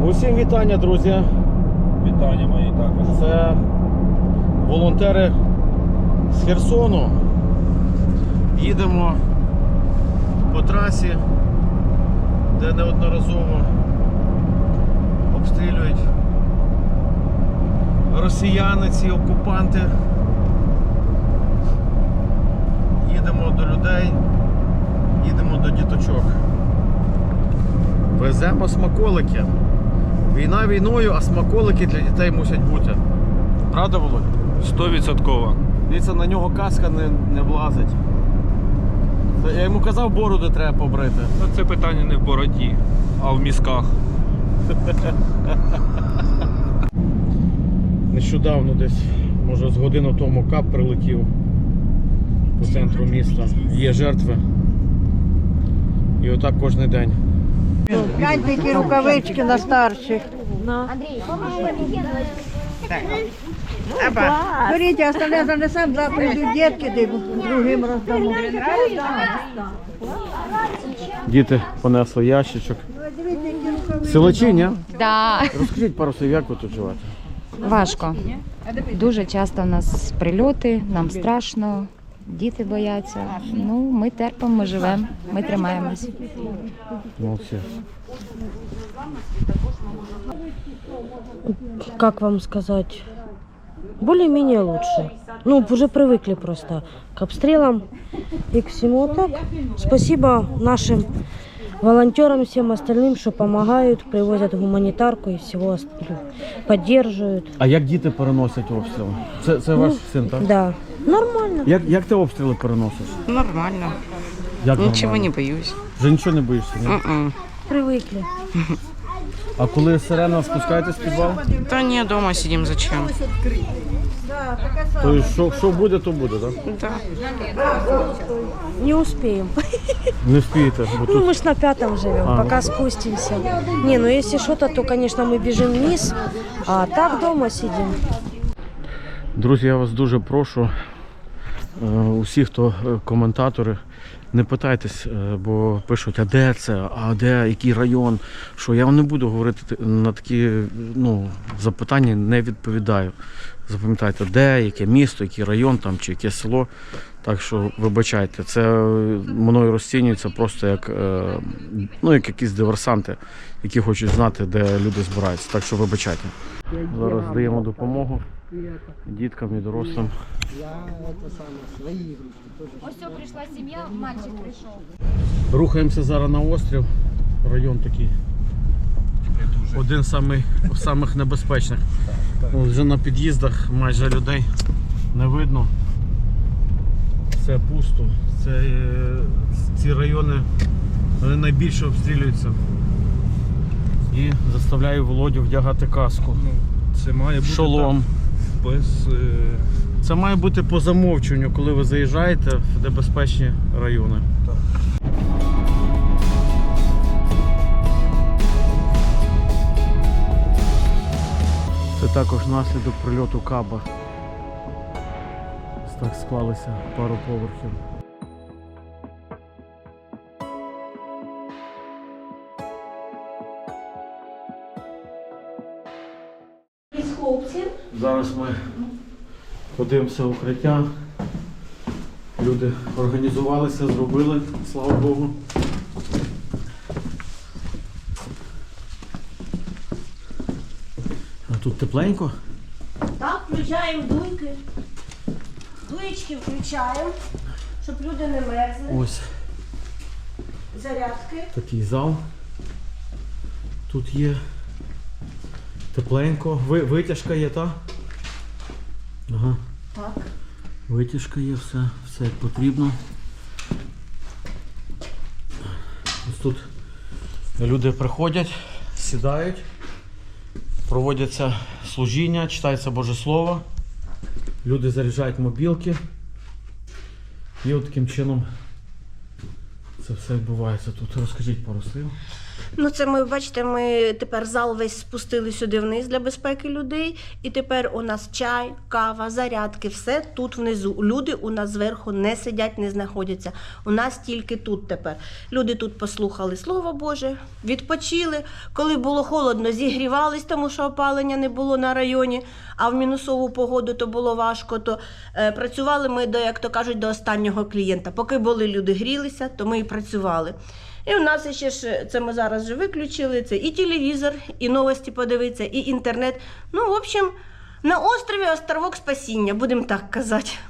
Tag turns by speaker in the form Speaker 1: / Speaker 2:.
Speaker 1: Усім вітання, друзі.
Speaker 2: Вітання мої також.
Speaker 1: Це волонтери з Херсону. Їдемо по трасі, де неодноразово обстрілюють росіяни, ці окупанти. Їдемо до людей, їдемо до діточок. Веземо смаколики. Війна війною, а смаколики для дітей мусять бути. Правда, Володь?
Speaker 2: 100%.
Speaker 1: Дивіться, на нього каска не влазить. Я йому казав, бороду треба побрити.
Speaker 2: Ну, це питання не в бороді, а в мізках.
Speaker 1: Нещодавно десь, може з годину тому кап прилетів по центру міста. Є жертви. І отак кожен день.
Speaker 3: Гляньте, які рукавички на старших. Беріть, а остальне занесемо, завтра прийдуть дітки, де другим роздамо.
Speaker 1: Діти понесли ящичок.
Speaker 3: Дивіться, які рукавички.
Speaker 1: Силачі, ні?
Speaker 4: Да,
Speaker 1: Розкажіть пару слів, як ви тут живете?
Speaker 4: важко. Дуже часто у нас прильоти, нам страшно, діти бояться. Ну, ми терпимо, ми живемо, ми тримаємось.
Speaker 1: Молодці.
Speaker 5: Как вам сказать, более-менее лучше. Ну, уже привыкли просто к обстрелам и к всему. А так, спасибо нашим волонтерам, всем остальным, что помогают, привозят гуманитарку и всего остального, поддерживают.
Speaker 1: А як діти переносять обстріли? Це ваш син, так?
Speaker 5: Да, нормально.
Speaker 1: Як ти обстріли переносиш?
Speaker 6: Нормально.
Speaker 1: Як
Speaker 6: Ничего
Speaker 1: нормально?
Speaker 6: не боюсь.
Speaker 1: Вже нічого не боїшся, ні?
Speaker 5: Привыкли.
Speaker 1: А коли сирена, спускаєтесь в підвал?
Speaker 6: Да не, дома сидим, зачем?
Speaker 1: Тобто, що буде, то буде, так?
Speaker 6: Да.
Speaker 5: Не успеем.
Speaker 1: Не вспієте, бо
Speaker 5: Ну,
Speaker 1: тут...
Speaker 5: мы ж на 5-м живем,
Speaker 1: А,
Speaker 5: пока
Speaker 1: ну.
Speaker 5: спустимся. Не, ну если что-то, то, конечно, мы бежим вниз, а так дома сидим.
Speaker 1: Друзі, я вас дуже прошу, усі, хто коментатори, не питайтесь, бо пишуть, а де це, а де, який район, що я вам не буду говорити на такі запитання, не відповідаю. Запам'ятайте, де, яке місто, який район там, чи яке село. Так що вибачайте, це мною розцінюється просто як, як якісь диверсанти, які хочуть знати, де люди збираються. Так що вибачайте. Зараз даємо допомогу діткам і дорослим.
Speaker 4: Ось прийшла сім'я, мальчик прийшов.
Speaker 1: Рухаємося зараз на острів. Район такий. Один з самих небезпечних. Вже на під'їздах майже людей не видно. Все пусто. Ці райони вони найбільше обстрілюються. І заставляю Володю вдягати каску.
Speaker 2: Це має бути
Speaker 1: Шолом.
Speaker 2: так, без...
Speaker 1: Це має бути по замовчуванню, коли ви заїжджаєте в небезпечні райони. Це також наслідок прильоту каба. Ось так склалися пару поверхів. Зараз ми подивимося укриття. Люди організувалися, зробили, слава Богу. А тут тепленько?
Speaker 5: Так, включаємо дуйки. Дуєчки включаємо, щоб люди не мерзли.
Speaker 1: Ось
Speaker 5: Зарядки.
Speaker 1: такий зал. Тут є тепленько. Витяжка є, так? Ага.
Speaker 5: Так.
Speaker 1: Витяжка є, все як потрібно. Ось тут люди приходять, сідають, проводяться служіння, читається Боже Слово, люди заряджають мобілки. І от таким чином це все відбувається тут. Розкажіть пару слів.
Speaker 7: Ну, це ми, бачите, ми тепер зал весь спустили сюди вниз для безпеки людей. І тепер у нас чай, кава, зарядки, все тут внизу. Люди у нас зверху не сидять, не знаходяться. У нас тільки тут тепер. Люди тут послухали Слово Боже, відпочили. Коли було холодно, зігрівались, тому що опалення не було на районі, а в мінусову погоду то було важко, то працювали ми, як то кажуть, до останнього клієнта. Поки були люди грілися, то ми і працювали. І у нас ще ж, це ми зараз вже виключили, це і телевізор, і новості подивитися, і інтернет. Ну, в общем, на острові островок спасіння, будемо так казати.